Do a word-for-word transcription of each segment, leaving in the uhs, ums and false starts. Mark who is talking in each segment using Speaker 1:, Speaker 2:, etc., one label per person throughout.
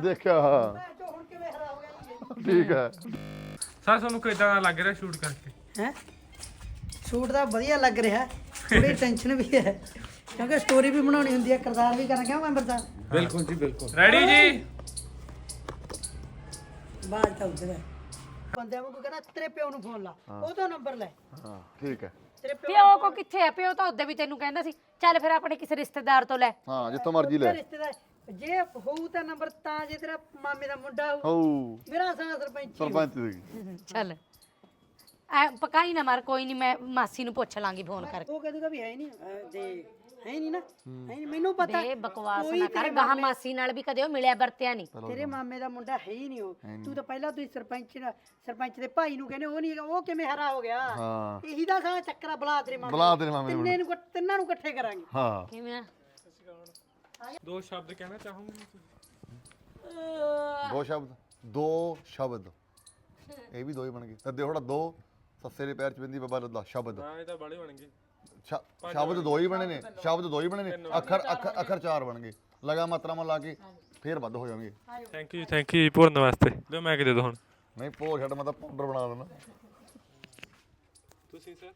Speaker 1: ਦੇਖਿਆ ਹਾਂ
Speaker 2: ਹੁਣ ਕਿਵੇਂ ਹਰਾ ਹੋ ਗਿਆ
Speaker 1: ਠੀਕ ਹੈ
Speaker 3: ਸਰ ਤੁਹਾਨੂੰ ਕਿਦਾਂ ਲੱਗ ਰਿਹਾ ਸ਼ੂਟ ਕਰਕੇ
Speaker 2: ਹੈ ਸ਼ੂਟ ਦਾ ਵਧੀਆ ਲੱਗ ਰਿਹਾ ਥੋੜੀ ਟੈਨਸ਼ਨ ਵੀ ਹੈ ਕਿਉਂਕਿ ਸਟੋਰੀ ਵੀ ਬਣਾਉਣੀ ਹੁੰਦੀ ਹੈ ਕਿਰਦਾਰ ਵੀ ਕਰਨਾ ਕਿਉਂ ਮੈਂਬਰ ਸਾਹਿਬ
Speaker 4: ਬਿਲਕੁਲ ਜੀ ਬਿਲਕੁਲ
Speaker 3: ਰੈਡੀ ਜੀ
Speaker 2: ਬਾਅਦ ਤਾਂ ਉੱਧਰ ਹੈ ਬੰਦਿਆਂ ਨੂੰ ਕਹਿੰਦਾ ਤੇਰੇ ਪਿਓ ਨੂੰ ਫੋਨ ਲਾ ਉਹਦਾ ਨੰਬਰ ਲੈ
Speaker 1: ਹਾਂ ਠੀਕ ਹੈ
Speaker 2: ਤੇਰੇ ਪਿਓ
Speaker 5: ਪਿਓ ਕੋ ਕਿੱਥੇ ਆ ਪਿਓ ਤਾਂ ਉਹਦੇ ਵੀ ਤੈਨੂੰ ਕਹਿੰਦਾ ਸੀ ਚੱਲ ਫਿਰ ਆਪਣੇ ਕਿਸੇ ਰਿਸ਼ਤੇਦਾਰ ਤੋਂ ਲੈ
Speaker 1: ਹਾਂ ਜਿੱਥੋਂ ਮਰਜ਼ੀ ਲੈ
Speaker 2: ਰਿਸ਼ਤੇਦਾਰ ਜੇ ਹੋਊ ਤਾਂ ਨੰਬਰ ਤਾਂ ਜੇ ਤੇਰਾ ਮਾਮੇ ਦਾ ਮੁੰਡਾ ਹੋਊ
Speaker 1: ਹੋਊ
Speaker 2: ਮੇਰਾ ਸਾਂ ਸਰਪੰਚ
Speaker 1: ਸਰਪੰਚ ਦੀ
Speaker 5: ਚੱਲ ਐ ਪਕਾਈ ਨਾ ਮਾਰ ਕੋਈ ਨਹੀਂ ਮੈਂ ਮਾਸੀ ਨੂੰ ਪੁੱਛ ਲਾਂਗੀ ਫੋਨ ਕਰਕੇ
Speaker 2: ਉਹ ਕਹਦੂਗਾ ਵੀ ਹੈ ਨਹੀਂ ਦੇ ਹੈ ਨਹੀਂ ਨਾ ਹੈ ਨਹੀਂ ਮੈਨੂੰ ਪਤਾ
Speaker 5: ਦੇ ਬਕਵਾਸ ਨਾ ਕਰ ਗਾਹ ਮਾਸੀ ਨਾਲ ਵੀ ਕਦੇ ਉਹ ਮਿਲਿਆ ਵਰਤਿਆ ਨਹੀਂ
Speaker 2: ਤੇਰੇ ਮਾਮੇ ਦਾ ਮੁੰਡਾ ਹੈ ਹੀ ਨਹੀਂ ਉਹ ਤੂੰ ਤਾਂ ਪਹਿਲਾਂ ਤੁਸੀਂ ਸਰਪੰਚ ਨਾਲ- ਸਰਪੰਚ ਦੇ ਭਾਈ ਨੂੰ ਕਹਿੰਦੇ ਉਹ ਨਹੀਂ ਹੈਗਾ ਉਹ ਕਿਵੇਂ ਹਰਾ ਹੋ ਗਿਆ
Speaker 1: ਹਾਂ
Speaker 2: ਇਹੀ ਦਾ ਸਾਰਾ ਚੱਕਰਾ ਬੁਲਾ ਤੇਰੇ ਮਾਮੇ
Speaker 1: ਬੁਲਾ ਤੇਰੇ ਮਾਮੇ ਨੂੰ
Speaker 2: ਤਿੰਨੇ ਨੂੰ ਇਕੱਠ- ਤਿੰਨਾਂ ਨੂੰ ਇਕੱਠੇ ਕਰਾਂਗੇ
Speaker 1: ਹਾਂ
Speaker 5: ਕਿਵੇਂ ਆ
Speaker 3: ਦੋ ਸ਼ਬਦ ਕਹਿਣਾ ਚਾਹੂੰਗੀ
Speaker 1: ਦੋ ਸ਼ਬਦ ਦੋ ਸ਼ਬਦ ਇਹ ਵੀ ਦੋ ਹੀ ਬਣ ਗਏ ਤੇ ਥੋੜਾ ਦੋ ਸੱਸੇ ਦੇ ਪੈਰ ਚ ਬਿੰਦੀ ਬਾਬਾ ਲੱਦਾ ਸ਼ਬਦ
Speaker 3: ਹਾਂ ਇਹ ਤਾਂ ਬਾਲੇ ਬਣ ਗਏ
Speaker 1: ਸ਼- ਸ਼ਬਦ ਦੋ ਹੀ ਬਣੇ ਨੇ ਸ਼ਬਦ ਦੋ ਹੀ ਬਣੇ ਨੇ ਅੱਖਰ ਅੱਖਰ ਅੱਖਰ ਚਾਰ ਬਣ ਗਏ ਲਗਾ ਮਾਤਰਾਵਾਂ ਲਾ ਕੇ ਫੇਰ ਵੱਧ ਹੋ ਜਾਣਗੇ
Speaker 3: ਥੈਂਕ ਯੂ ਥੈਂਕ ਯੂ ਭਰਨ ਵਾਸਤੇ ਲਿਓ ਮੈਂ ਕਿ ਦੇ ਦੋ ਹੁਣ
Speaker 1: ਨਹੀਂ ਭੋਰ ਛੱਡ ਮੈਂ ਤਾਂ ਪਾਊਡਰ ਬਣਾ ਦੇਣਾ
Speaker 3: ਤੁਸੀਂ ਸਰ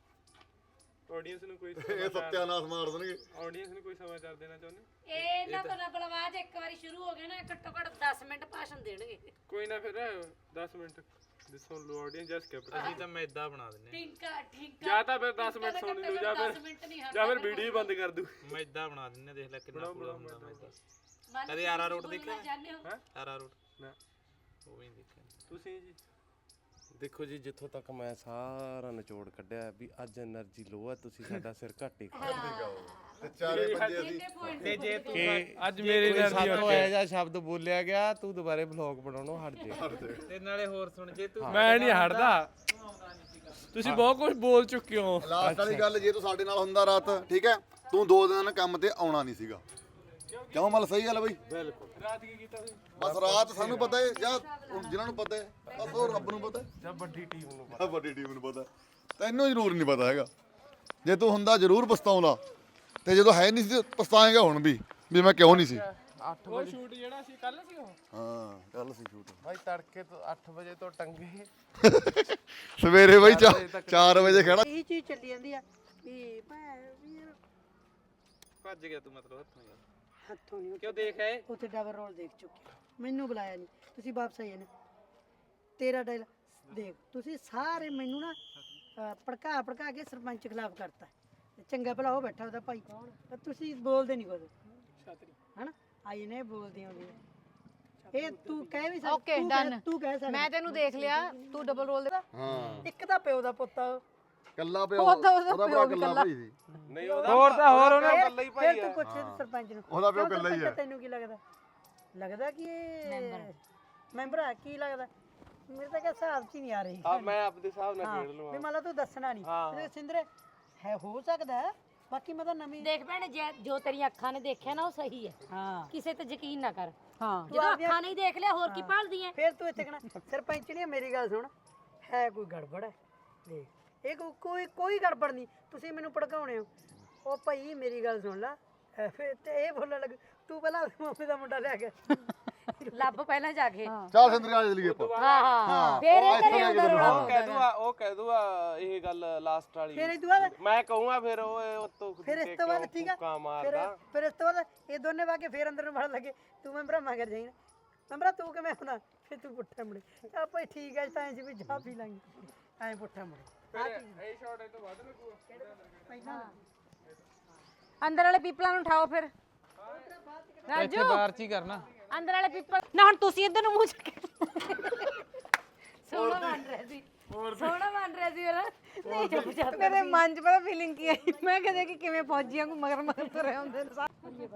Speaker 3: ਆਡੀਅנס ਨੂੰ ਕੋਈ
Speaker 1: ਇਹ ਸੱਤਿਆਨਾਸ਼ ਮਾਰ ਦੇਣਗੇ
Speaker 3: ਆਡੀਅנס ਨੂੰ ਕੋਈ ਸਮਾਚਾਰ ਦੇਣਾ ਚਾਹੁੰਦੇ
Speaker 5: ਇਹ ਨਾ ਬਲਾ ਬਲਵਾਜ ਇੱਕ ਵਾਰੀ ਸ਼ੁਰੂ ਹੋ ਗਿਆ ਨਾ ਘੱਟੋ ਘੱਟ ਦਸ ਮਿੰਟ ਭਾਸ਼ਣ ਦੇਣਗੇ
Speaker 3: ਕੋਈ ਨਾ ਫਿਰ ਦਸ ਮਿੰਟ ਸੁਣ ਲਓ ਆਡੀਅנס ਜਸ ਕੇ
Speaker 4: ਅਸੀਂ ਤਾਂ ਮੈਦਾ ਬਣਾ ਦਿੰਨੇ
Speaker 5: ਠਿੰਕਾ ਠਿੰਕਾ
Speaker 3: ਜਾਂ ਤਾਂ ਫਿਰ ਦਸ ਮਿੰਟ ਸੁਣ ਲਓ ਜਾਂ ਫਿਰ ਜਾਂ ਫਿਰ ਵੀਡੀਓ ਬੰਦ ਕਰ ਦੂ
Speaker 4: ਮੈਦਾ ਬਣਾ ਦਿੰਨੇ ਦੇਖ ਲੈ ਕਿੰਨਾ ਪੂਰਾ ਹੁੰਦਾ ਮੈਦਾ ਕਦੇ ਆਰਾ ਰੋਟ ਦੇਖਿਆ
Speaker 3: ਹੈ
Speaker 4: ਆਰਾ ਰੋਟ
Speaker 3: ਨਾ
Speaker 4: ਉਹ ਵੀ ਨੀ ਦੇਖਿਆ
Speaker 3: ਤੁਸੀਂ ਜੀ
Speaker 6: ਦੇਖੋ ਜੀ ਜਿੱਥੋਂ ਤੱਕ ਮੈਂ ਸਾਰਾ ਨਿਚੋੜ ਕੱਢਿਆ ਵੀ ਅੱਜ એનર્ਜੀ ਲੋ ਹੈ ਤੁਸੀਂ ਸਾਡਾ ਸਿਰ ਘੱਟ ਹੀ ਖਾਓ
Speaker 1: ਤੇ ਚਾਰੇ ਪੰਜੇ ਅਸੀਂ
Speaker 4: ਤੇ ਜੇ ਤੂੰ
Speaker 3: ਅੱਜ ਮੇਰੇ ਨਾਲ
Speaker 6: ਸਾਤੋਂ ਇਹੋ ਜਿਹਾ ਸ਼ਬਦ ਬੋਲਿਆ ਗਿਆ ਤੂੰ ਦੁਬਾਰੇ ਵਲੌਗ ਬਣਾਉਣੋਂ ਹਟ ਜੇ
Speaker 4: ਤੇ ਨਾਲੇ ਹੋਰ ਸੁਣ ਜੇ ਤੂੰ
Speaker 3: ਮੈਂ ਨਹੀਂ ਹਟਦਾ ਤੁਸੀਂ ਬਹੁਤ ਕੁਝ ਬੋਲ ਚੁੱਕੇ ਹੋ
Speaker 1: ਲਾਸਟ ਵਾਲੀ ਗੱਲ ਜੇ ਤੂੰ ਸਾਡੇ ਨਾਲ ਹੁੰਦਾ ਰਾਤ ਠੀਕ ਹੈ ਤੂੰ ਦੋ ਦਿਨ ਕੰਮ ਤੇ ਆਉਣਾ ਨਹੀਂ ਸੀਗਾ ਕਿਉਂ ਮਤਲਬ ਸਹੀ ਗੱਲ ਬਈ
Speaker 6: ਬਿਲਕੁਲ
Speaker 3: ਰਾਤ ਕੀ ਕੀਤਾ ਤੁਸੀਂ
Speaker 1: ਬਸ ਰਾਤ ਸਾਨੂੰ ਪਤਾ ਹੈ ਜਾਂ ਜਿਨ੍ਹਾਂ ਨੂੰ ਪਤਾ ਹੈ ਬਸ ਉਹ ਰੱਬ ਨੂੰ ਪਤਾ ਹੈ
Speaker 6: ਜਾਂ ਵੱਡੀ ਟੀਮ ਨੂੰ
Speaker 1: ਆਹ ਵੱਡੀ ਟੀਮ ਨੂੰ ਪਤਾ ਤੈਨੂੰ ਜ਼ਰੂਰ ਨਹੀਂ ਪਤਾ ਹੈਗਾ ਜੇ ਤੂੰ ਹੁੰਦਾ ਜ਼ਰੂਰ ਪਛਤਾਉਂਦਾ ਤੇ ਜਦੋਂ ਹੈ ਨਹੀਂ ਸੀ ਪਛਤਾਏਗਾ ਹੁਣ ਵੀ ਵੀ ਮੈਂ ਕਿਉਂ ਨਹੀਂ ਸੀ
Speaker 6: ਅੱਠ
Speaker 3: ਉਹ ਸ਼ੂਟ ਜਿਹੜਾ ਸੀ ਕੱਲ ਸੀ ਉਹ
Speaker 1: ਹਾਂ ਕੱਲ ਸੀ ਸ਼ੂਟ
Speaker 6: ਭਾਈ ਤੜਕੇ ਤੋਂ ਅੱਠ ਵਜੇ ਤੋਂ ਟੰਗੇ
Speaker 1: ਸਵੇਰੇ ਬਈ ਚਾਰ ਵਜੇ ਖੜਾ
Speaker 2: ਇਹ ਚੀਜ਼ ਚੱਲੀ ਜਾਂਦੀ ਆ ਵੀ ਭੈ ਵੀ ਯਾਰ
Speaker 4: ਭੱਜ ਗਿਆ ਤੂੰ ਮਤਲਬ ਹੱਥੋਂ ਯਾਰ
Speaker 2: ਹੱਥੋਂ ਨਹੀਂ
Speaker 4: ਕਿਉਂ ਦੇਖ ਆਏ
Speaker 2: ਉੱਥੇ ਡਬਲ ਰੋਲ ਦੇਖ ਚੁੱਕੇ ਮੈਨੂੰ ਬੁਲਾਇਆ ਨਹੀਂ ਤੁਸੀਂ ਵਾਪਸ ਆਏ ਨੇ ਤੇਰਾ ਡਾਇਲ ਦੇਖ ਤੁਸੀਂ ਸਾਰੇ ਮੈਨੂੰ ਨਾ ਅਹ, ਭੜਕਾ ਭੜਕਾ ਕੇ ਸਰਪੰਚ ਖਿਲਾਫ ਕਰਤਾ ਚੰਗਾ ਭਲਾ ਉਹ ਬੈਠਾ ਉਹਦਾ ਭਾਈ ਤਾਂ ਤੁਸੀਂ ਬੋਲਦੇ ਨਹੀਂ ਕੁਝ ਹਨਾ ਆਈ ਨੇ ਬੋਲਦੀ ਆਉਂਦੀ ਇਹ ਤੂੰ ਕਹਿ ਵੀ ਸਕਦਾ
Speaker 5: Okay,
Speaker 2: ਤੂੰ ਕਹਿ-
Speaker 5: done.
Speaker 2: ਤੂੰ ਕਹਿ ਸਕਦਾ
Speaker 5: ਮੈਂ ਤੈਨੂੰ ਦੇਖ ਲਿਆ ਤੂੰ ਡਬਲ ਰੋਲ ਦੇ
Speaker 1: ਹਾਂ
Speaker 2: ਇੱਕ ਤਾਂ ਪਿਓ ਦਾ ਪੁੱਤ ਆ ਉਹ।
Speaker 1: ਕੱਲਾ ਪਿਓ
Speaker 5: ਉਹਦਾ- ਉਹਦਾ
Speaker 1: ਉਹਦਾ
Speaker 5: ਪਿਓ
Speaker 1: ਭਰਾ
Speaker 5: ਵੀ
Speaker 1: ਕੱਲਾ
Speaker 5: ਕੱਲਾ।
Speaker 1: ਭਾਈ ਸੀ
Speaker 6: ਨਹੀਂ ਉਹਦਾ
Speaker 3: ਹੋਰ ਤਾਂ ਹੋਰ ਉਹਨੇ
Speaker 6: ਇਕੱਲਾ ਹੀ ਭਾਈ
Speaker 2: ਫਿਰ ਤੂੰ ਪੁੱਛ ਸਰਪੰਚ ਨੂੰ
Speaker 1: ਉਹਦਾ ਪਿਓ
Speaker 2: ਕਿਉਂ
Speaker 1: ਇਕੱਲਾ ਹੀ
Speaker 2: ਸਰਪੰਚ
Speaker 1: ਆ।
Speaker 2: ਤੈਨੂੰ ਕੀ ਲੱਗਦਾ ਲੱਗਦਾ ਕਿ ਇਹ ਮੈਂਬਰ ਆ ਕੀ ਲੱਗਦਾ ਮੇਰੇ ਤਾਂ ਕਿਹਾ ਹਿਸਾਬ ਚ ਹੀ ਨਹੀਂ ਆ ਰਹੀ
Speaker 6: ਆ ਮੈਂ ਆਪਦੇ ਹਿਸਾਬ ਨਾਲ
Speaker 2: ਹਾਂ
Speaker 6: ਖੇਡ ਲਵਾਂ
Speaker 2: ਵੀ ਮੰਨ ਲਾ ਤੂੰ ਦੱਸਣਾ ਨਹੀਂ ਸਿੰਦਰੇ ਹੈ ਹੋ ਸਕਦਾ ਹੈ, ਬਾਕੀ ਮੈਂ ਤਾਂ ਨਵੀਂ
Speaker 5: ਦੇਖ ਭੈਣੇ ਜੇ ਜੋ ਤੇਰੀਆਂ ਅੱਖਾਂ ਨੇ ਦੇਖਿਆ ਨਾ ਉਹ ਸਹੀ ਹੈ
Speaker 2: ਹਾਂ
Speaker 5: ਕਿਸੇ ਤੇ ਯਕੀਨ ਨਾ ਕਰ
Speaker 2: ਹਾਂ
Speaker 5: ਜਦੋਂ ਅੱਖਾਂ ਨਹੀਂ ਦੇਖ ਲਿਆ ਹੋਰ ਕੀ ਭਾਲਦੀ ਐ
Speaker 2: ਫਿਰ ਤੂੰ ਇੱਥੇ ਕਹਣਾ ਸਰਪੰਚ ਨੇ ਮੇਰੀ ਗੱਲ ਸੁਣ ਹੈ ਕੋਈ ਗੜਬੜ ਹੈ ਦੇਖ ਇਹ ਕੋ- ਕੋਈ ਕੋਈ ਗੜਬੜ ਨਹੀਂ ਤੁਸੀਂ ਮੈਨੂੰ ਭੜਕਾਉਣੇ ਹੋ ਉਹ ਭਾਈ ਮੇਰੀ ਗੱਲ ਸੁਣ ਲੈ ਐ ਫਿਰ ਤੇ ਇਹ ਬੋਲਣ ਲੱਗ ਤੂੰ ਪਹਿਲਾਂ ਆਪਣੇ ਮਾਮੇ ਦਾ ਮੁੰਡਾ ਲੈ ਕੇ
Speaker 5: ਲੱਭ ਪਹਿਲਾਂ ਜਾ ਕੇ
Speaker 1: ਚੱਲ ਸਿੰਦਰੀਆ ਚਲੀਏ ਆਪਾਂ
Speaker 5: ਹਾਂ ਹਾਂ ਫੇਰ ਇਹ ਘਰੇ ਆਉਂਦਾ ਰੋਣਾ
Speaker 6: ਉਹ ਕਹਿ ਦੂਆ ਉਹ ਕਹਿ ਦੂਆ ਇਹ ਗੱਲ ਲਾਸਟ ਵਾਲੀ
Speaker 2: ਫਿਰ ਇਹ ਤੋਂ ਬਾਅਦ
Speaker 6: ਮੈਂ ਕਹੂੰਗਾ ਫਿਰ ਉਹ ਉਤੋਂ
Speaker 2: ਫਿਰ ਇਸ ਤੋਂ ਬਾਅਦ ਠੀਕ ਆ
Speaker 6: ਕਾ
Speaker 2: ਫਿਰ
Speaker 6: ਮਾਰਦਾ
Speaker 2: ਫਿਰ ਇਸ ਤੋਂ ਬਾਅਦ ਇਹ ਦੋਨੇ ਵਾ ਕੇ ਫਿਰ ਅੰਦਰ ਨੂੰ ਵੜਨ ਲੱਗੇ ਤੂੰ ਮੈਂ ਭਰਾਮਾ ਕਰ ਜਾਈਂ ਮੈਂ ਤੂੰ ਕਿਵੇਂ ਆਉਣਾ ਫਿਰ ਤੂੰ ਪੁੱਠਾ ਮੁੜੇ ਚੱਲ ਭਾਈ ਠੀਕ ਹੈ ਤਾਂ ਐਂ ਸੀ ਵੀ ਚਾਹ ਪੀ ਲਾਂਗੇ ਐਂ ਪੁੱਠਾ ਮੁੜੇ
Speaker 3: ਇਹ ਸ਼ਾਟ ਇਹ ਤੋਂ ਬਾਅਦ ਲੱਗੂਗਾ
Speaker 5: ਅੰਦਰ ਵਾਲੇ ਪੀਪਲਾਂ ਨੂੰ ਉਠਾਓ ਫਿਰ ਰਾਜੂ
Speaker 3: ਬਾਹਰ ਚ ਹੀ ਕਰਨਾ
Speaker 5: ਅੰਦਰ ਵਾਲੇ ਪੀਪਲ ਨਾ ਹੁਣ ਤੁਸੀਂ ਇੱਧਰ ਨੂੰ ਮੂੰਹ ਚੱਕ ਸੋਹਣਾ ਬਣ ਰਿਹਾ ਸੀ ਸੋਹਣਾ ਬਣ ਰਿਹਾ ਸੀ ਮੇਰਾ ਨਹੀਂ ਚੁੱਪ ਚਾਪ ਮੇਰੇ ਮਨ 'ਚ ਪਤਾ ਫੀਲਿੰਗ ਕੀ ਆਈ ਮੈਂ ਕਹਿੰਦੇ ਕਿ ਕਿਵੇਂ ਫੌਜੀਆਂ ਨੂੰ ਮਗਰ ਮਗਰ ਤੁਰੇ ਹੁੰਦੇ ਨੇ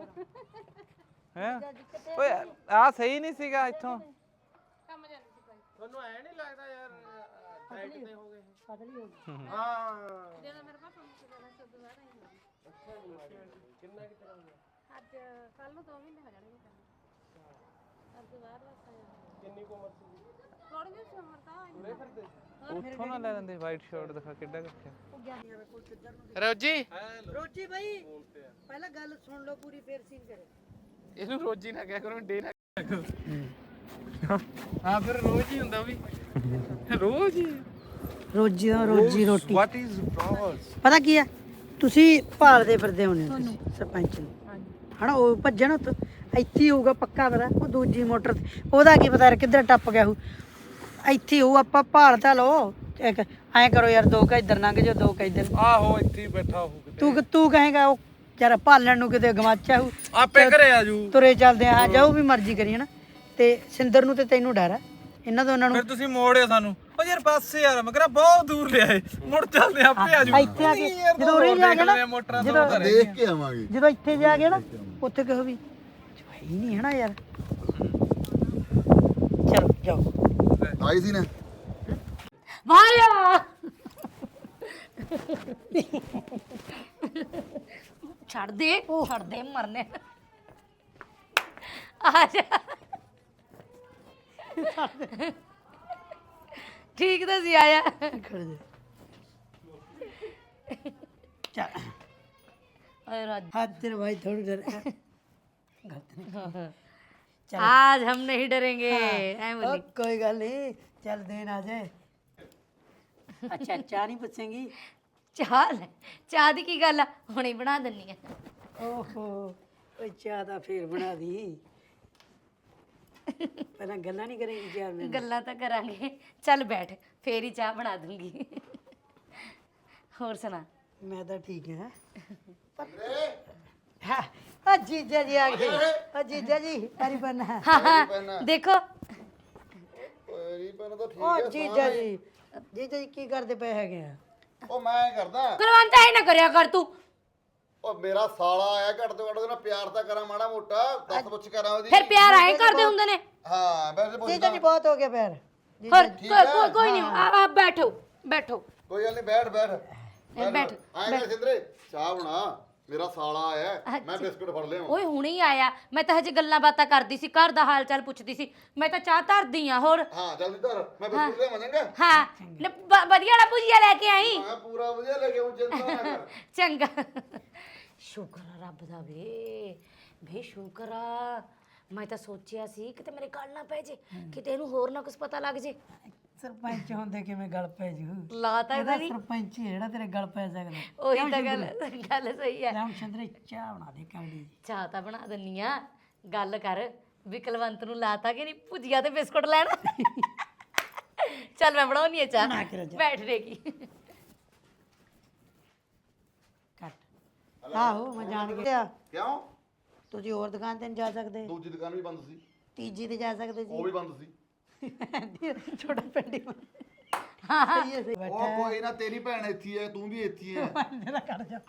Speaker 3: ਹੈ ਓਏ ਆ ਸਹੀ ਨਹੀਂ ਸੀਗਾ ਇੱਥੋਂ
Speaker 6: ਤੁਹਾਨੂੰ ਐ ਨਹੀਂ ਲੱਗਦਾ ਯਾਰ ਡਾਈਟ ਤੇ ਹੋ ਗਏ
Speaker 2: ਪਤਲੀ ਹੋ ਗਈ
Speaker 6: ਹਾਂ
Speaker 5: ਜਦੋਂ ਮੇਰੇ ਪਾਪਾ ਮੁੱਕ ਜਾਣਾ ਸੋ ਦੁਬਾਰਾ
Speaker 6: ਕਿੰਨਾ ਕਿ ਤਰ੍ਹਾਂ ਹੋਇਆ
Speaker 5: ਅੱਜ ਕੱਲ ਨੂੰ ਦੋ ਮਹੀਨੇ ਹੋ ਜਾਣਗੇ ਅੱਜ ਬਾਅਦ ਬਸ
Speaker 6: ਕਿੰਨੀ ਕੁ ਉਮਰ ਸੀ
Speaker 5: ਥੋੜੀ ਜਿਹੀ ਉਮਰ ਤਾਂ
Speaker 6: ਤੁਰੇ ਫਿਰਦੇ
Speaker 3: ਉੱਥੋਂ ਨਾ ਲੈ ਲੈਂਦੇ ਵਾਈਟ ਸ਼ਰਟ ਦਿਖਾ ਕਿੱਡਾ ਰੱਖਿਆ
Speaker 4: ਰੋਜੀ
Speaker 2: ਰੋਜੀ ਭਾਈ ਪਹਿਲਾਂ ਗੱਲ ਸੁਣ ਲਓ ਪੂਰੀ ਫੇਰ ਸੀਨ ਕਰੇ
Speaker 3: ਇਹਨੂੰ ਰੋਜੀ ਨਾ ਕਿਹਾ ਕਰੋ ਡੇ ਨਾ ਹਾਂ ਫਿਰ ਰੋਜ਼ ਹੀ ਹੁੰਦਾ ਵੀ ਰੋਜ਼ ਹੀ
Speaker 2: ਰੋਜੀ ਰੋਜੀ ਰੋਟੀ
Speaker 6: ਵਾਟ ਇਜ਼ ਬ੍ਰੋਸ
Speaker 2: ਪਤਾ ਕੀ ਆ ਤੁਸੀਂ ਭਾਲਦੇ ਫਿਰਦੇ ਹੋਣੇ ਹੋ ਤੁਸੀਂ ਸਰਪੰਚ ਨੂੰ ਹਨਾ ਉਹ ਭੱਜਣ ਉੱਥੋਂ ਇੱਥੇ ਹੀ ਹੋਊਗਾ ਪੱਕਾ ਪਤਾ ਉਹ ਦੂਜੀ ਮੋਟਰ ਤੇ ਉਹਦਾ ਕੀ ਪਤਾ ਯਾਰ ਕਿੱਧਰ ਟੱਪ ਗਿਆ ਉਹ ਇੱਥੇ ਹੀ ਹੋਊ ਆਪਾਂ ਭਾਲ ਤਾਂ ਲਓ ਇੱਕ ਐਂ ਕਰੋ ਯਾਰ ਦੋ ਕੁ ਇੱਧਰ ਲੰਘ ਜਾਓ ਦੋ ਕੁ ਇੱਧਰ
Speaker 6: ਆਹੋ ਇੱਥੇ ਹੀ ਬੈਠਾ ਹੋ
Speaker 2: ਤੂੰ ਤੂੰ ਕਹੇਗਾ ਉਹ ਯਾਰ ਭਾਲਣ ਨੂੰ ਕਿਤੇ ਗਵਾਚਿਆ ਹੋਊ
Speaker 6: ਆਪੇ ਘਰੇ ਆ ਜੂ
Speaker 2: ਤੁਰੇ ਚੱਲਦੇ ਆ ਜਾਓ ਵੀ ਮਰਜ਼ੀ ਕਰੀ ਹਨਾ ਤੇ ਸਿੰਦਰ ਨੂੰ ਤੇ ਤੈਨੂੰ ਡਰ ਆ ਇਹਨਾਂ ਦੋਨਾਂ ਨੂੰ
Speaker 3: ਫਿਰ ਤੁਸੀਂ ਮੋੜਿਓ ਸਾਨੂੰ ਉਹ ਯਾਰ ਬੱਸ ਯਾਰ ਮੈਂ ਕਿਹਾ ਬਹੁਤ ਦੂਰ ਲਿਆਏ ਮੁੜ ਚੱਲਦੇ ਆਪੇ ਆ ਜੂ
Speaker 2: ਇੱਥੇ ਆ ਕੇ ਜਦੋਂ ਉਰੇ ਜਾ ਕੇ ਨਾ
Speaker 3: ਮੋਟਰਾਂ
Speaker 2: ਜਦੋਂ
Speaker 1: ਦੇਖ ਕੇ ਆਵਾਂਗੇ
Speaker 2: ਜਦੋਂ ਇੱਥੇ ਜਾ ਕੇ ਨਾ ਉੱਥੇ ਕਹੋ ਵੀ ਹੈ ਹੀ ਨਹੀਂ ਹਨਾ ਯਾਰ ਚਲੋ ਜਾਓ
Speaker 1: ਆਈ ਸੀ ਨਾ
Speaker 5: ਵਾਇਆ ਛੱਡ ਦੇ ਛੱਡ ਦੇ ਮਰਨੇ ਆ ਜਾ ਠੀਕ ਤਾਂ ਸੀ ਆਇਆ
Speaker 2: ਖੜ ਜਾ ਚੱਲ
Speaker 5: अरे राज
Speaker 2: हाथ तेरे भाई थोड़ी डर
Speaker 5: आज हम नहीं डरेंगे ऐ
Speaker 2: ओ,
Speaker 5: बोली
Speaker 2: कोई गल नहीं चल देन आ जाए अच्छा चाह नहीं पूछेंगी
Speaker 5: ਚਾਹ ਲੈ ਚਾਹ ਦੀ ਕੀ ਗੱਲ ਆ ਹੁਣੇ ਬਣਾ ਦਿੰਨੀ ਆ
Speaker 2: ओहो ओए चाह दा फिर बना दी पहला गल्ला नहीं करेंगी चार में
Speaker 5: ਗੱਲਾਂ ਤਾਂ ਕਰਾਂਗੇ ਚੱਲ ਬੈਠ ਫੇਰ ਹੀ ਚਾਹ ਬਣਾ ਦੂੰਗੀ ਹੋਰ ਸੁਣਾ
Speaker 2: मैं तो ठीक है हाँ आ जीजा जी आ गए आ जीजा जी हरी बन है
Speaker 5: ਹਾਂ ਹਾਂ ਦੇਖੋ
Speaker 1: ਰੀ ਪੈਨ ਤਾਂ ਠੀਕ
Speaker 2: ओ जीजा जी जीजा जी की करते पे है गए
Speaker 1: ਉਹ ਮੈਂ ਕਰਦਾ
Speaker 5: ਕੁਲਵੰਤ ਐ ਨਾ ਕਰਿਆ ਕਰ ਤੂੰ
Speaker 1: ਉਹ ਮੇਰਾ ਸਾਲਾ ਆਇਆ ਘੱਟ ਤੋਂ ਘੱਟ ਉਹਦੇ ਨਾਲ ਪਿਆਰ ਤਾਂ ਕਰਾਂ ਮਾੜਾ ਮੋਟਾ ਦੱਸ ਪੁੱਛ ਕਰਾਂ ਉਹਦੀ
Speaker 5: ਫਿਰ ਪਿਆਰ ਆਏ ਕਰਦੇ ਹੁੰਦੇ ਨੇ
Speaker 1: ਹਾਂ ਵੈਸੇ
Speaker 2: जीजा
Speaker 1: ਪੁੱਛਦਾ
Speaker 2: जी बहुत हो गया पैर
Speaker 5: ਹੋਰ ਕੋਈ ਕੋਈ- ਕੋਈ ਨਹੀਂ ਆ ਆ ਬੈਠੋ ਬੈਠੋ
Speaker 1: ਕੋਈ ਗੱਲ ਨਹੀਂ ਬੈਠ ਬੈਠ
Speaker 5: ਬੈਠ,
Speaker 1: ਆਏ ਕਰ ਸਿੰਦਰੇ ਚਾਹ ਬਣਾ ਮੇਰਾ ਸਾਲਾ ਆਇਆ ਮੈਂ ਬਿਸਕੁਟ ਫੜ ਲਿਆ
Speaker 5: ਓਏ ਹੁਣੇ ਹੀ ਆਇਆ ਮੈਂ ਤਾਂ ਹਜੇ ਗੱਲਾਂ ਬਾਤਾਂ ਕਰਦੀ ਸੀ ਘਰ ਦਾ ਹਾਲ ਚਾਲ ਪੁੱਛਦੀ ਸੀ ਮੈਂ ਤਾਂ ਚਾਹ ਧਰਦੀ ਆ ਹੋਰ
Speaker 1: ਹਾਂ ਜਲਦੀ ਧਰ ਮੈਂ ਬਿਸਕੁਟ ਲਿਆ ਮੰਨੇਗਾ
Speaker 5: ਹਾਂ ਲੈ, ਵ- ਵਧੀਆ ਵਾਲਾ ਭੁਜੀਆ ਲੈ ਕੇ ਆਈ
Speaker 1: ਮੈਂ ਪੂਰਾ ਵਧੀਆ ਲੈ ਕੇ ਆਉਂ ਚਿੰਤਾ ਨਾ ਕਰ
Speaker 5: ਚੰਗਾ ਸ਼ੁਕਰ ਆ ਰੱਬ ਦਾ ਵੇ ਵੇ ਸ਼ੁਕਰ ਆ ਮੈਂ ਤਾਂ ਸੋਚਿਆ ਸੀ ਕਿਤੇ ਮੇਰੇ ਗੱਲ ਨਾ ਪੈ ਜੇ ਕਿਤੇ ਇਹਨੂੰ ਹੋਰ ਨਾ ਕੁਝ ਪਤਾ ਲੱਗ ਜੇ
Speaker 2: ਸਰਪੰਚ ਹੁੰਦੇ ਕਿਵੇਂ ਗਲ ਪੈ ਜੂ
Speaker 5: ਲਾਤਾ
Speaker 2: ਇਹਦਾ
Speaker 5: ਨਹੀਂ
Speaker 2: ਸਰਪੰਚ ਹੀ ਹੈ ਜਿਹੜਾ ਤੇਰੇ ਗਲ ਪੈ ਸਕਦਾ
Speaker 5: ਉਹੀ ਤਾਂ ਗੱਲ ਗੱਲ ਸਹੀ ਹੈ
Speaker 2: ਰਾਮ ਚੰਦਰ ਚਾਹ ਬਣਾ ਦੇ ਕਾਲੀ
Speaker 5: ਚਾਹ ਤਾਂ ਬਣਾ ਦਿੰਨੀ ਆ ਗੱਲ ਕਰ ਵੀ ਕੁਲਵੰਤ ਨੂੰ ਲਾਤਾ ਕਿ ਨਹੀਂ ਭੁਜੀਆ ਤੇ ਬਿਸਕੁਟ ਲੈਣਾ ਚੱਲ ਮੈਂ ਬਣਾਉਣੀ ਆ ਚਾਹ ਬੈਠ ਰੇਗੀ
Speaker 2: ਕੱਟ ਆਹੋ ਮੈਂ ਜਾਣ ਗਿਆ
Speaker 1: ਕਿਉਂ
Speaker 2: ਤੁਸੀਂ ਹੋਰ ਦੁਕਾਨ ਤੇ ਨਹੀਂ ਜਾ ਸਕਦੇ
Speaker 1: ਦੂਜੀ ਦੁਕਾਨ ਵੀ ਬੰਦ ਸੀ
Speaker 2: ਤੀਜੀ ਤੇ ਜਾ ਸਕਦੇ
Speaker 1: ਉਹ ਵੀ ਬੰਦ ਸੀ
Speaker 2: ਸੀ ਛੋਟਾ ਪਿੰਡ ਹੀ ਸਹੀ ਹੈ ਸਹੀ
Speaker 1: ਉਹ ਕੋਈ ਨਾ ਤੇਰੀ ਭੈਣ ਇੱਥੇ ਹੈ ਤੂੰ ਵੀ ਇੱਥੇ ਹੈ
Speaker 2: ਮੇਰਾ ਕੱਢ ਜਾ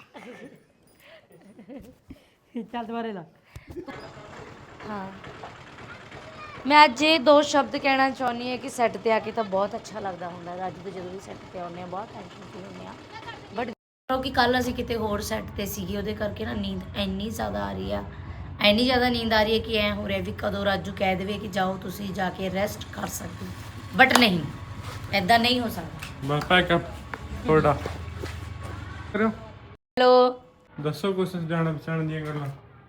Speaker 2: ਚੱਲ ਦੁਬਾਰੇ ਲਾ
Speaker 5: ਹਾਂ ਮੈਂ ਅੱਜ ਇਹ ਦੋ ਸ਼ਬਦ ਕਹਿਣਾ ਚਾਹੁੰਦੀ ਹਾਂ ਕਿ ਸੈੱਟ ਤੇ ਆ ਕੇ ਤਾਂ ਬਹੁਤ ਅੱਛਾ ਲੱਗਦਾ ਹੁੰਦਾ ਹੈ। ਅੱਜ ਤੋਂ ਜਦੋਂ ਵੀ ਸੈੱਟ ਤੇ ਆਉਂਦੇ ਆ ਬਹੁਤ ਟੈਨਸ਼ਨ ਫਰੀ ਹੁੰਦੇ ਆ ਬਟ ਕਿ ਕੱਲ ਅਸੀਂ ਕਿਤੇ ਹੋਰ ਸੈੱਟ ਤੇ ਸੀਗੇ ਉਹਦੇ ਕਰਕੇ ਨਾ ਨੀਂਦ ਇੰਨੀ ਜ਼ਿਆਦਾ ਆ ਰਹੀ ਆ ਇੰਨੀ ਜ਼ਿਆਦਾ ਨੀਂਦ ਆ ਰਹੀ ਹੈ ਕਿ ਐ ਹੋ ਰਿਹਾ ਵੀ ਕਦੋਂ ਰਾਜੂ ਕਹਿ ਦੇਵੇ ਕਿ ਜਾਓ ਤੁਸੀਂ ਜਾ ਕੇ ਰੈਸਟ ਕਰ ਸਕਦੇ ਬਟ ਨਹੀਂ ਐਦਾਂ ਨਹੀਂ ਹੋ ਸਕਦਾ
Speaker 7: ਬਸ ਪੈਕਅਪ ਤੁਹਾਡਾ ਕਰੋ
Speaker 5: ਹੈਲੋ
Speaker 7: ਦੱਸੋ ਕੁਛ ਜਾਣ ਪਛਾਣ ਦੀਆਂ ਗੱਲਾਂ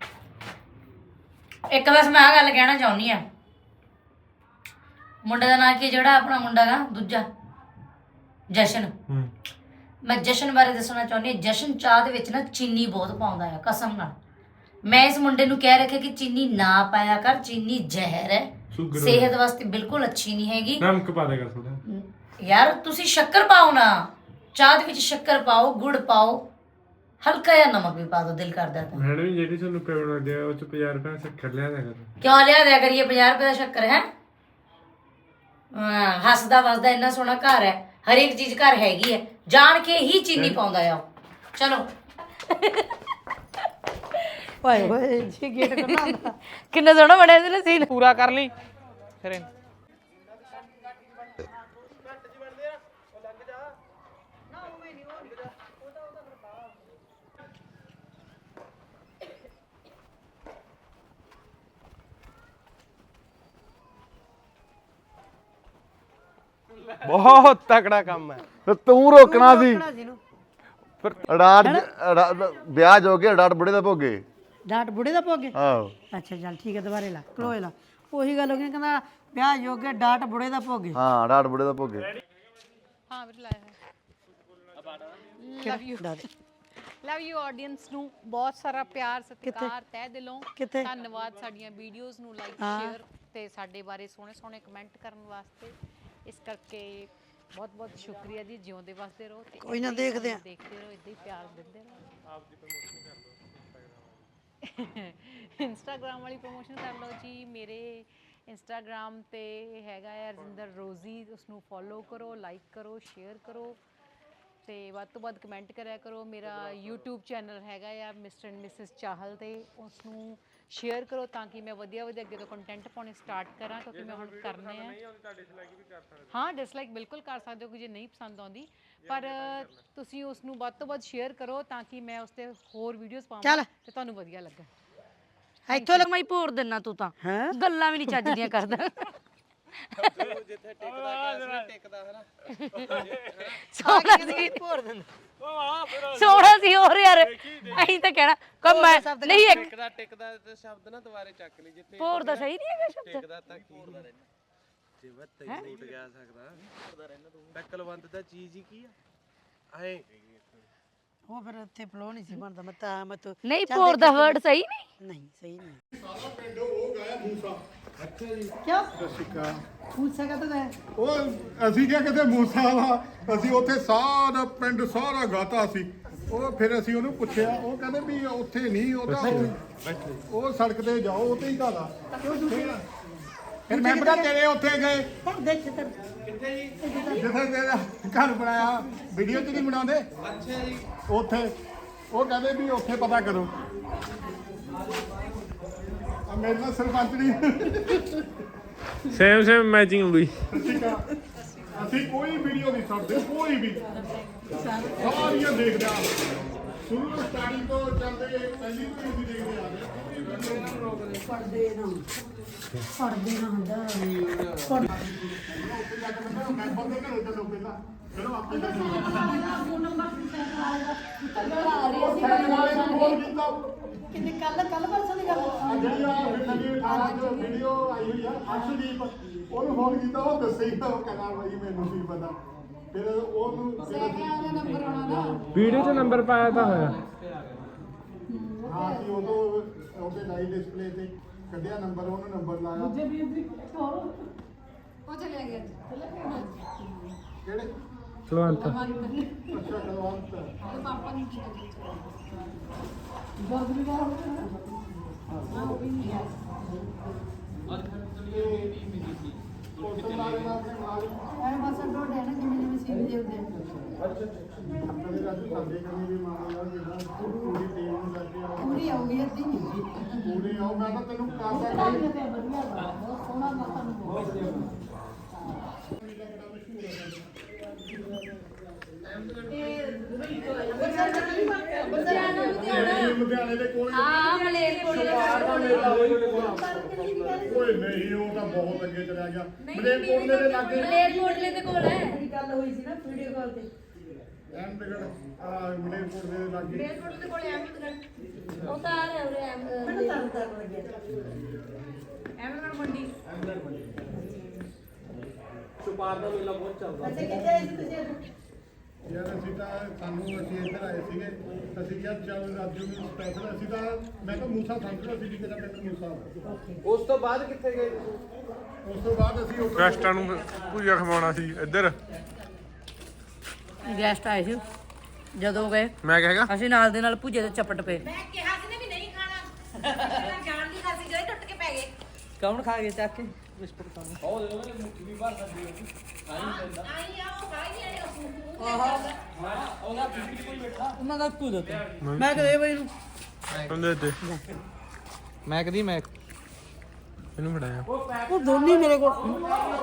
Speaker 5: ਇੱਕ ਬਸ ਮੈਂ ਆ ਗੱਲ ਕਹਿਣਾ ਚਾਹੁੰਦੀ ਆ ਮੁੰਡੇ ਦਾ ਨਾਂ ਕੀ ਜਿਹੜਾ ਆਪਣਾ ਮੁੰਡਾ ਗਾ ਦੂਜਾ ਜਸ਼ਨ
Speaker 7: ਹੂੰ
Speaker 5: ਮੈਂ ਜਸ਼ਨ ਬਾਰੇ ਦੱਸਣਾ ਚਾਹੁੰਦੀ ਹਾਂ ਜਸ਼ਨ ਚਾਹ ਦੇ ਵਿੱਚ ਨਾ ਚੀਨੀ ਬਹੁਤ ਪਾਉਂਦਾ ਆ ਕਸਮ ਨਾਲ ਮੈਂ ਇਸ ਮੁੰਡੇ ਨੂੰ ਕਹਿ ਰੱਖਿਆ ਕਿ ਚੀਨੀ ਨਾ ਪਾਇਆ ਕਰ ਚੀਨੀ ਜ਼ਹਿਰ ਹੈ
Speaker 7: ਸ਼ੂਗਰ
Speaker 5: ਸਿਹਤ ਵਾਸਤੇ ਬਿਲਕੁਲ ਅੱਛੀ ਨਹੀਂ ਹੈਗੀ
Speaker 7: ਨਮਕ ਪਾ ਦੇਗਾ ਥੋੜਾ
Speaker 5: ਯਾਰ ਤੁਸੀਂ ਸ਼ੱਕਰ ਪਾਓ ਨਾ ਚਾਹ ਦੇ ਵਿੱਚ ਸ਼ੱਕਰ ਪਾਓ ਗੁੜ ਪਾਓ ਹਲਕਾ ਜਿਹਾ ਨਮਕ ਵੀ ਪਾ ਦਿਓ ਦਿਲ ਕਰਦਾ ਤਾਂ
Speaker 7: ਮੈਡਮ ਜਿਹੜੀ ਤੁਹਾਨੂੰ ਪੇਮੈਂਟ ਦਿਆ ਉਹ ਚ ਪੰਜਾਹ ਰੁਪਏ ਸ਼ੱਕਰ ਲਿਆ ਦੇਗਾ
Speaker 5: ਕਿਉਂ ਲਿਆ ਦਿਆ ਕਰੀਏ ਪੰਜਾਹ ਰੁਪਏ ਦਾ ਸ਼ੱਕਰ ਹੈ ਹਾਂ ਹੱਸਦਾ ਵਸਦਾ ਇੰਨਾ ਸੋਹਣਾ ਘਰ ਹੈ ਹਰੇਕ ਚੀਜ਼ ਘਰ ਹੈਗੀ ਹੈ ਜਾਣ ਕੇ ਹੀ ਚੀਨੀ ਪਾਉਂਦਾ ਆ ਉਹ। ਚਲੋ
Speaker 2: ਓਏ ਓਏ ਜੀ ਗੇਟ ਕਰਨਾ ਹੁੰਦਾ
Speaker 5: ਕਿੰਨਾ ਸੋਹਣਾ ਬਣਿਆ ਸੀ ਨਾ ਸੀਨ
Speaker 3: ਪੂਰਾ ਕਰ ਲਈ ਫਿਰ ਇਹਨੂੰ।
Speaker 6: ਬਹੁਤ ਤਕੜਾ ਕੰਮ ਹੈ
Speaker 1: ਤੇ ਤੂੰ ਰੋਕਣਾ ਸੀ
Speaker 2: ਕਿਹੜਾ ਸੀ ਇਹਨੂੰ
Speaker 1: ਅਡਾਟ ਅਡਾ- ਵਿਆਹ ਜੋ ਕੇ ਅਡਾਟ ਬੁੜੇ ਦਾ ਭੋਗੇ
Speaker 2: ਡਾਟ ਬੁੜੇ ਦਾ ਪੋਗੇ
Speaker 1: ਆਹੋ
Speaker 2: ਅੱਛਾ ਚੱਲ ਠੀਕ ਹੈ ਦੁਬਾਰੇ ਲਾ ਕਲੋਏ ਲਾ ਉਹੀ ਗੱਲ ਹੋ ਗਈ ਕਹਿੰਦਾ ਵਿਆਹ ਜੋਗੇ ਡਾਟ ਬੁੜੇ ਦਾ ਭੋਗੇ।
Speaker 1: ਹਾਂ ਡਾਟ ਬੁੜੇ ਦਾ ਭੋਗੇ।
Speaker 8: ਹਾਂ ਵੀਰ ਲਾਇਆ love you love you audience ਨੂੰ ਬਹੁਤ ਸਾਰਾ ਪਿਆਰ ਸਤਿਕਾਰ ਤਹਿ ਦਿਲੋਂ
Speaker 2: ਕਿੱਥੇ?
Speaker 8: ਧੰਨਵਾਦ ਸਾਡੀਆਂ ਵੀਡੀਓਜ਼ ਨੂੰ ਲਾਈਕ ਸ਼ੇਅਰ ਤੇ ਸਾਡੇ ਬਾਰੇ ਸੋਹਣੇ ਸੋਹਣੇ ਕਮੈਂਟ ਕਰਨ ਵਾਸਤੇ। ਇਸ ਕਰਕੇ ਬਹੁਤ ਬਹੁਤ ਸ਼ੁਕਰੀਆ ਜੀ। ਜਿਉਂਦੇ ਵਸਦੇ ਰਹੋ ਤੇ
Speaker 2: ਕੋਈ ਨਾ ਦੇਖਦੇ ਆ
Speaker 8: ਦੇਖਦੇ ਰਹੋ, ਇਦਾਂ ਹੀ ਪਿਆਰ ਦਿੰਦੇ ਰਹੋ। ਆਪ ਦੀ ਪ੍ਰਮੋਸ਼ਨ ਕਰ ਲਓ। ਇੰਸਟਾਗ੍ਰਾਮ ਵਾਲੀ ਪ੍ਰਮੋਸ਼ਨ ਕਰ ਲਓ ਜੀ। ਮੇਰੇ ਇੰਸਟਾਗ੍ਰਾਮ ਤੇ ਹੈਗਾ ਹੈ ਰਜਿੰਦਰ ਰੋਜ਼ੀ, ਉਸਨੂੰ ਫੋਲੋ ਕਰੋ, ਲਾਈਕ ਕਰੋ, ਸ਼ੇਅਰ ਕਰੋ ਤੇ ਵੱਧ ਤੋਂ ਵੱਧ ਕਮੈਂਟ ਕਰਿਆ ਕਰੋ। ਮੇਰਾ YouTube ਚੈਨਲ ਹੈਗਾ ਆ ਮਿਸਟਰ ਐਂਡ ਮਿਸਿਸ ਚਾਹਲ, ਤੇ ਉਸ ਨੂੰ ਸ਼ੇਅਰ ਕਰੋ ਤਾਂ ਕਿ ਮੈਂ ਵਧੀਆ ਵਧੀਆ ਅੱਗੇ ਤੋਂ ਕੰਟੈਂਟ ਪਾਉਣੇ ਸਟਾਰਟ ਕਰਾਂ, ਕਿਉਂਕਿ ਮੈਂ ਹੁਣ ਕਰਨੇ ਆ। ਹਾਂ ਡਿਸਲਾਈਕ ਬਿਲਕੁਲ ਕਰ ਸਕਦੇ ਹੋ ਕਿ ਜੇ ਨਹੀਂ ਪਸੰਦ ਆਉਂਦੀ, ਪਰ ਤੁਸੀਂ ਉਸ ਨੂੰ ਵੱਧ ਤੋਂ ਵੱਧ ਸ਼ੇਅਰ ਕਰੋ ਤਾਂ ਕਿ ਮੈਂ ਉਸ ਤੇ ਹੋਰ ਵੀਡੀਓਜ਼ ਪਾਵਾਂ ਤੇ ਤੁਹਾਨੂੰ ਵਧੀਆ ਲੱਗੇ।
Speaker 5: ਇੱਥੋਂ ਲੱਗ ਮੈਂ ਭੋਰ ਦਿੰਨਾ ਤੂੰ ਤਾਂ ਗੱਲਾਂ ਵੀ ਨਹੀਂ ਚੱਜਦੀਆਂ ਕਰਦਾ।
Speaker 6: ਜਿੱਥੇ ਟਿਕਦਾ ਗਿਆ ਸੀ ਟਿਕਦਾ ਹੈ ਨਾ।
Speaker 5: ਸੋਹਣਾ ਸੀ ਭੋਰ ਦਿੰਦਾ ਸੋਹਣਾ ਸੀ ਹੋਰ ਯਾਰ। ਅਸੀਂ ਤਾਂ ਕਹਿਣਾ ਕਮ ਮੈਂ ਨਹੀਂ ਇੱਕ
Speaker 6: ਟਿਕਦਾ ਟਿਕਦਾ ਤੇ ਸ਼ਬਦ ਨਾ ਦੁਬਾਰੇ ਚੱਕ ਲਈ। ਜਿੱਥੇ
Speaker 5: ਭੋਰ ਦਾ ਸਹੀ ਨਹੀਂ ਹੈਗਾ ਸ਼ਬਦ।
Speaker 6: ਟਿਕਦਾ ਤਾਂ ਕੀ ਜੇ ਮੈਂ ਤੈਨੂੰ ਉੱਠ ਗਿਆ ਸਕਦਾ ਤਾਂ ਕਲਵੰਤ ਦਾ ਚੀਜ਼ ਹੀ ਕੀ ਆ ਐ।
Speaker 2: ਉਹ ਫਿਰ ਉੱਥੇ ਫਲੋ ਨਹੀਂ ਸੀ ਬਣਦਾ। ਮੈਂ ਤਾਂ ਮੈਂ ਤੂੰ
Speaker 5: ਨਹੀਂ ਭੋਰ ਦਾ ਵਰਡ ਸਹੀ ਨਹੀਂ।
Speaker 2: ਨਹੀਂ ਸਹੀ ਨਹੀਂ।
Speaker 1: ਸਾਰਾ ਪਿੰਡ ਉਹ ਗਾਇਆ ਮੂਸਾ।
Speaker 2: ਕਿਉਂ
Speaker 7: ਸਿੱਕਾ
Speaker 2: ਮੂਸਾ ਕਾ ਤਾਂ
Speaker 7: ਉਹ ਅਸੀਂ ਕਿਹਾ ਕਿਤੇ ਮੂਸਾ ਵਾ, ਅਸੀਂ ਉੱਥੇ ਸਾਰਾ ਪਿੰਡ ਸਾਰਾ ਗਾਤਾ ਸੀ। ਉਹ ਫਿਰ ਅਸੀਂ ਉਹਨੂੰ ਪੁੱਛਿਆ, ਉਹ ਕਹਿੰਦੇ ਵੀ ਉੱਥੇ ਨਹੀਂ, ਉਹ ਤਾਂ ਉਹ ਸੜਕ ਤੇ ਜਾਓ ਉੱਥੇ ਹੀ ਗਾਲਾ। ਫਿਰ ਮੈਂ ਪਤਾ ਤੇਰੇ ਉੱਥੇ ਗਏ
Speaker 2: ਦੇਖ ਤੇ
Speaker 6: ਕਿੱਥੇ ਜੀ?
Speaker 7: ਜਿੱਥੇ ਤੇਰਾ ਘਰ ਬਣਾਇਆ ਵੀਡੀਓ ਚ ਨਹੀਂ ਬਣਾਉਂਦੇ
Speaker 6: ਅੱਛਾ ਜੀ।
Speaker 7: ਉੱਥੇ ਉਹ ਕਹਿੰਦੇ ਵੀ ਉੱਥੇ ਪਤਾ ਕਰੋ। ਆ ਮੇਰੇ ਨਾਲ ਸਰਪੰਚ ਨਹੀਂ
Speaker 9: ਸੇਮ ਸੇਮ ਮੈਚਿੰਗ ਹੋ ਗਈ।
Speaker 7: ਅਸੀਂ ਕੋਈ ਵੀਡੀਓ ਨਹੀਂ ਛੱਡਦੇ, ਕੋਈ ਵੀ ਸਾਰੀਆਂ ਦੇਖਦੇ ਆ। ਸ਼ੁਰੂ ਤੋਂ ਸਟਾਰਟਿੰਗ ਤੋਂ ਚੱਲਦੇ ਪਹਿਲੀ ਤੋਂ ਅਸੀਂ ਦੇਖਦੇ ਆ ਰਹੇ।
Speaker 2: ਪੜਦੇ ਨਾ ਪੜਦੇ ਨਾ ਹੁੰਦਾ ਪੜ
Speaker 7: ਮੈਂਬਰ ਦੇ ਘਰੋਂ ਚੱਲੋ ਪਹਿਲਾਂ ਚਲੋ ਆਪੇ
Speaker 2: ਕਿੰਨੇ ਕੱਲ ਕੱਲ ਪਰਸੋਂ ਦੀ ਗੱਲ
Speaker 7: ਜਿਹੜੀ ਆ ਨਵੀਂ ਅਠਾਰਾਂ ਚ ਵੀਡੀਓ ਆਈ ਹੋਈ ਆ ਅਰਸ਼ਦੀਪ, ਉਹਨੂੰ ਫੋਨ ਕੀਤਾ, ਉਹ ਦੱਸੇ ਹੀ ਉਹ ਕਹਿੰਦਾ ਬਾਈ ਮੈਨੂੰ ਨਹੀਂ ਪਤਾ। ਫਿਰ ਉਹਨੂੰ
Speaker 2: ਨੰਬਰ ਆਉਣਾ ਨਾ
Speaker 9: ਵੀਡੀਓ 'ਚ ਨੰਬਰ ਪਾਇਆ ਤਾਂ ਹੋਇਆ।
Speaker 7: ਹਾਂ ਸੀ ਉਦੋਂ ਉਹਦੇ ਲਾਈਵ ਡਿਸਪਲੇ ਤੇ ਕੱਢਿਆ ਨੰਬਰ, ਉਹਨੂੰ ਨੰਬਰ ਲਾਇਆ।
Speaker 2: ਦੂਜੇ ਵੀਰ ਦੀ
Speaker 8: ਉਹ ਚਲੇ ਗਿਆ
Speaker 7: ਕਿਹੜੇ
Speaker 9: ਕੁਲਵੰਤ
Speaker 7: ਅੱਛਾ ਕਲਵੰਤ
Speaker 8: ਪਾਪਾ ਨਹੀਂ
Speaker 2: ਦਰਦ ਵੀ ਬਾਹਰ ਹੋ ਗਿਆ
Speaker 7: ਪੋਸਟਰ ਮਾਰੇ ਨਾ ਆਪਣੇ ਮਾਰੇ
Speaker 2: ਐ ਬਸ ਡੋਡੇ ਨਾ ਜਿਵੇਂ ਜਿਵੇਂ ਸੀਨ ਦੇ ਹੁੰਦੇ
Speaker 7: ਆਪਣੇ ਰਾਜੂ ਸਾਡੇ ਕਨੀ ਵੀ ਮਾਰੇ ਯਾਰ ਜਿਹੜਾ ਪੂਰੀ ਟੀਮ ਨੂੰ ਲੈ ਕੇ ਆਓ।
Speaker 2: ਪੂਰੀ ਆਉਗੀ ਅੱਧੀ ਨਹੀਂ
Speaker 7: ਪੂਰੀ ਆਓ। ਮੈਂ ਤਾਂ ਤੈਨੂੰ ਕਾਸਾ
Speaker 2: ਵਧੀਆ ਵਾ, ਬਹੁਤ ਸੋਹਣਾ ਮਾਤਾ ਨੂੰ ਬਹੁਤ
Speaker 7: ਲੁਧਿਆਣੇ ਦੇ ਕੋਲ
Speaker 5: ਹਾਂ ਮਲੇਰਕੋਟਲੇ
Speaker 7: ਓਏ ਨਹੀਂ, ਉਹ ਤਾਂ ਬਹੁਤ ਅੱਗੇ ਚਲਾ ਗਿਆ। ਮਲੇਰਕੋਟਲੇ ਦੇ ਲਾਗੇ
Speaker 5: ਮਲੇਰਕੋਟਲੇ ਦੇ ਕੋਲ ਹੈ।
Speaker 2: ਗੱਲ ਹੋਈ ਸੀ ਨਾ ਵੀਡੀਓ ਕਾਲ ਤੇ
Speaker 7: ਅਹਿਮਦਗੜ੍ਹ ਆ ਮਲੇਰਕੋਟਲੇ ਦੇ ਲਾਗੇ।
Speaker 5: ਮਲੇਰਕੋਟਲੇ ਦੇ ਕੋਲ ਅਹਿਮਦਗੜ੍ਹ ਉਹ ਤਾਂ ਆ ਰਿਹਾ ਉਰੇ
Speaker 2: ਮੈਨੂੰ ਤਰ ਤਰ ਲੱਗਿਆ
Speaker 5: ਅਹਿਮਦਗੜ੍ਹ ਮੰਡੀ।
Speaker 6: ਸੁਪਾਰ ਦਾ ਮੇਲਾ ਬਹੁਤ ਚੱਲਦਾ।
Speaker 2: ਅੱਛਾ ਕਿੱਥੇ ਆਏ ਸੀ ਤੁਸੀਂ?
Speaker 7: ਯਾਰ ਅਸੀਂ ਤਾਂ ਸਾਨੂੰ ਅਸੀਂ ਇੱਧਰ ਆਏ ਸੀਗੇ, ਅਸੀਂ ਕਿਹਾ ਚੱਲ ਰਾਜੂ ਨੂੰ ਸਪੈਸ਼ਲ। ਅਸੀਂ ਤਾਂ ਮੈਂ ਤਾਂ ਮੂਸਾ ਸਮਝਦਾ ਸੀ ਕਿ ਕਿਹਦਾ ਪਿੰਡ ਮੂਸਾ।
Speaker 6: ਉਸ ਤੋਂ ਬਾਅਦ ਕਿੱਥੇ ਗਏ?
Speaker 7: ਉਸ ਤੋਂ ਬਾਅਦ ਅਸੀਂ ਉੱਥੇ
Speaker 9: ਗੈਸਟਾਂ ਨੂੰ ਭੁਜੀਆ ਖਵਾਉਣਾ ਸੀ ਇੱਧਰ।
Speaker 5: ਗੈਸਟ ਆਏ ਸੀ ਜਦੋਂ ਗਏ
Speaker 9: ਮੈਂ ਕਹੇਗਾ
Speaker 5: ਅਸੀਂ ਨਾਲ ਦੇ ਨਾਲ ਭੁਜੇ ਤੇ ਚਪਟ ਪਏ।
Speaker 10: ਮੈਂ ਕਿਹਾ ਸੀ ਨਾ ਵੀ ਨਹੀਂ ਖਾਣਾ ਜਾਣ ਦੀ ਖਾਸੀ ਗਏ ਟੁੱਟ ਕੇ ਪੈ ਗਏ।
Speaker 3: ਕੌਣ ਖਾ ਗਿਆ ਚੱਕ ਕੇ ਬਿਸਕੁਟ ਖਾਣੇ?
Speaker 10: ਆਈ ਆ ਉਹ ਖਾਈ ਆਏ
Speaker 3: ਉਹਨਾਂ ਦਾ ਤੂੰ ਦਿੱਤਾ ਮੈਂ ਕਦੇ ਬਈ ਨੂੰ
Speaker 9: ਹੁੰਦੇ ਤੇ ਮੈਂ ਕਦੀ ਮੈਂ ਇਹਨੂੰ ਫੜਾਇਆ।
Speaker 3: ਉਹ ਦੋਨੀ ਮੇਰੇ ਕੋਲ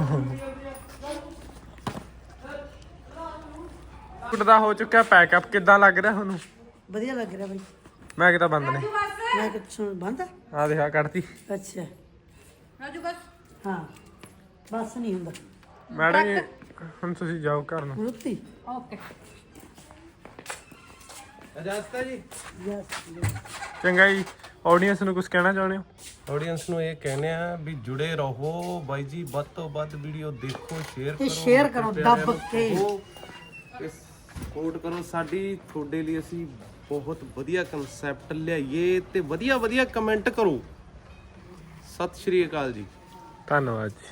Speaker 9: ਕੁੱਟ ਦਾ ਹੋ ਚੁੱਕਿਆ ਪੈਕਅਪ। ਕਿੱਦਾਂ ਲੱਗ ਰਿਹਾ ਤੁਹਾਨੂੰ?
Speaker 2: ਵਧੀਆ ਲੱਗ ਰਿਹਾ ਬਾਈ।
Speaker 9: ਮੈਂ ਕਿਤਾ ਬੰਦ ਨੇ
Speaker 2: ਮੈਂ ਕੁਛ ਬੰਦ
Speaker 9: ਆ ਦੇਖਾ ਕੱਢਤੀ।
Speaker 2: ਅੱਛਾ
Speaker 10: ਰਾਜੂ ਬਸ
Speaker 2: ਹਾਂ ਬਸ ਨਹੀਂ ਹੁੰਦਾ
Speaker 9: ਮੈਡਮ ਜੀ ਹੁਣ ਤੁਸੀਂ ਜਾਓ ਘਰ ਨੂੰ।
Speaker 2: ਰੁੱਤੀ
Speaker 10: ਓਕੇ
Speaker 6: ਇਜਾਜ਼ਤ ਹੈ ਜੀ।
Speaker 2: ਯਸ
Speaker 9: ਚੰਗਾ ਜੀ ਆਡੀਅנס ਨੂੰ ਕੁਝ ਕਹਿਣਾ ਚਾਹੁੰਦੇ ਹੋ?
Speaker 6: ਆਡੀਅנס ਨੂੰ ਇਹ ਕਹਿੰਦੇ ਆ ਵੀ ਜੁੜੇ ਰਹੋ ਬਾਈ ਜੀ, ਵੱਧ ਤੋਂ ਵੱਧ ਵੀਡੀਓ ਦੇਖੋ, ਸ਼ੇਅਰ
Speaker 2: ਤੇ
Speaker 6: ਕਰੋ,
Speaker 2: ਸ਼ੇਅਰ ਕਰੋ ਦੱਬ ਕੇ।
Speaker 6: ਸਪੋਰਟ ਕਰੋ ਸਾਡੀ। ਤੁਹਾਡੇ ਲਈ ਅਸੀਂ ਬਹੁਤ ਵਧੀਆ ਕਨਸੈਪਟ ਲਿਆਈਏ ਤੇ ਵਧੀਆ ਵਧੀਆ ਕਮੈਂਟ ਕਰੋ। ਸਤਿ ਸ਼੍ਰੀ ਅਕਾਲ ਜੀ।
Speaker 9: ਧੰਨਵਾਦ ਜੀ।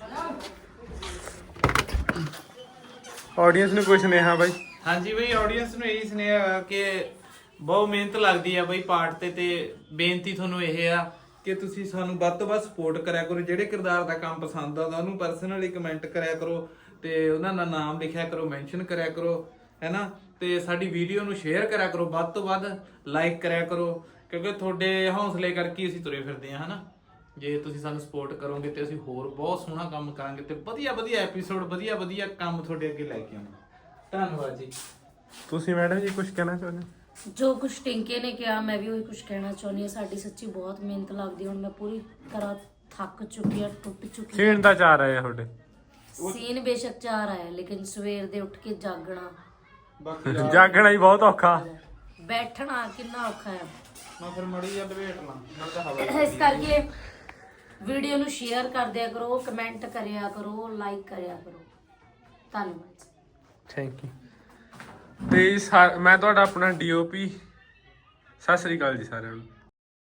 Speaker 9: ਆਡੀਅנס ਨੂੰ ਕੁਝ ਸੁਨੇਹਾ ਬਾਈ?
Speaker 3: ਹਾਂਜੀ ਬਈ ਆਡੀਅנס ਨੂੰ ਇਹੀ ਸੁਨੇਹਾ ਕਿ ਬਹੁਤ ਮਿਹਨਤ ਲੱਗਦੀ ਆ ਬਈ ਪਾਰਟ ਤੇ ਤੇ ਬੇਨਤੀ ਤੁਹਾਨੂੰ ਇਹ ਆ ਕਿ ਤੁਸੀਂ ਸਾਨੂੰ ਵੱਧ ਤੋਂ ਵੱਧ ਸਪੋਰਟ ਕਰਿਆ ਕਰੋ। ਜਿਹੜੇ ਕਿਰਦਾਰ ਦਾ ਕੰਮ ਪਸੰਦ ਆਉਂਦਾ ਉਹਨੂੰ ਪਰਸਨਲੀ ਕਮੈਂਟ ਕਰਿਆ ਕਰੋ ਤੇ ਉਹਨਾਂ ਦਾ ਨਾਮ ਲਿਖਿਆ ਕਰੋ, ਮੈਂਸ਼ਨ ਕਰਿਆ ਕਰੋ, ਹੈਨਾ। ਤੇ ਸਾਡੀ ਵੀਡੀਓ ਨੂੰ ਸ਼ੇਅਰ ਕਰਿਆ ਕਰੋ, ਵੱਧ ਤੋਂ ਵੱਧ ਲਾਈਕ ਕਰਿਆ ਕਰੋ, ਕਿਉਂਕਿ ਤੁਹਾਡੇ ਹੌਸਲੇ ਕਰਕੇ ਅਸੀਂ ਤੁਰੇ ਫਿਰਦੇ ਹਾਂ, ਹਨਾ। ਜੇ ਤੁਸੀਂ ਸਾਨੂੰ ਸਪੋਰਟ ਕਰੋਗੇ ਤੇ ਅਸੀਂ ਹੋਰ ਬਹੁਤ ਸੋਹਣਾ ਕੰਮ ਕਰਾਂਗੇ ਤੇ ਵਧੀਆ ਵਧੀਆ ਐਪੀਸੋਡ, ਵਧੀਆ ਵਧੀਆ ਕੰਮ ਤੁਹਾਡੇ ਅੱਗੇ ਲੈ ਕੇ ਆਵਾਂਗੇ। ਧੰਨਵਾਦ ਜੀ।
Speaker 9: ਤੁਸੀਂ ਮੈਡਮ ਜੀ ਕੁਝ ਕਹਿਣਾ ਚਾਹੁੰਦੇ ਹੋ?
Speaker 5: ਜੋ ਕੁਛ ਟਿੰਕੇ ਨੇ ਕਿਹਾ ਮੈਂ ਵੀ ਉਹੀ ਕੁਛ ਕਹਿਣਾ ਚਾਹੁੰਦੀ ਹਾਂ। ਸਾਡੀ ਸੱਚੀ ਬਹੁਤ ਮਿਹਨਤ ਲੱਗਦੀ, ਹੁਣ ਮੈਂ ਪੂਰੀ ਤਰ੍ਹਾਂ ਥੱਕ ਚੁੱਕੀ ਆ, ਟੁੱਟ ਚੁੱਕੀ
Speaker 9: ਸੀਨ ਦਾ ਚਾਰ ਆਇਆ ਤੁਹਾਡੇ?
Speaker 5: ਸੀਨ ਬੇਸ਼ੱਕ ਚਾਰ ਆਇਆ, ਲੇਕਿਨ ਸਵੇਰ ਦੇ ਉੱਠ ਕੇ ਜਾਗਣਾ,
Speaker 9: ਜਾਗਣਾ ਹੀ ਬਹੁਤ ਔਖਾ,
Speaker 5: ਬੈਠਣਾ ਕਿੰਨਾ ਔਖਾ ਹੈ।
Speaker 3: ਮੈਂ ਫਿਰ ਮੜੀ ਜਾਂ ਡਿਬੇਟ ਲਾਂ ਨਾਲ ਤਾਂ ਹਵਾ
Speaker 5: ਇਸ ਕਰਕੇ ਵੀਡੀਓ ਨੂੰ ਸ਼ੇਅਰ ਕਰ ਦਿਆ ਕਰੋ, ਕਮੈਂਟ ਕਰਿਆ ਕਰੋ, ਲਾਈਕ ਕਰਿਆ ਕਰੋ। ਧੰਨਵਾਦ।
Speaker 9: Thank you. ਤੇ ਸਾ- ਮੈਂ ਤੁਹਾਡਾ ਆਪਣਾ ਡੀਓਪੀ। ਸਤਿ ਸ੍ਰੀ ਅਕਾਲ ਜੀ ਸਾਰਿਆਂ ਨੂੰ।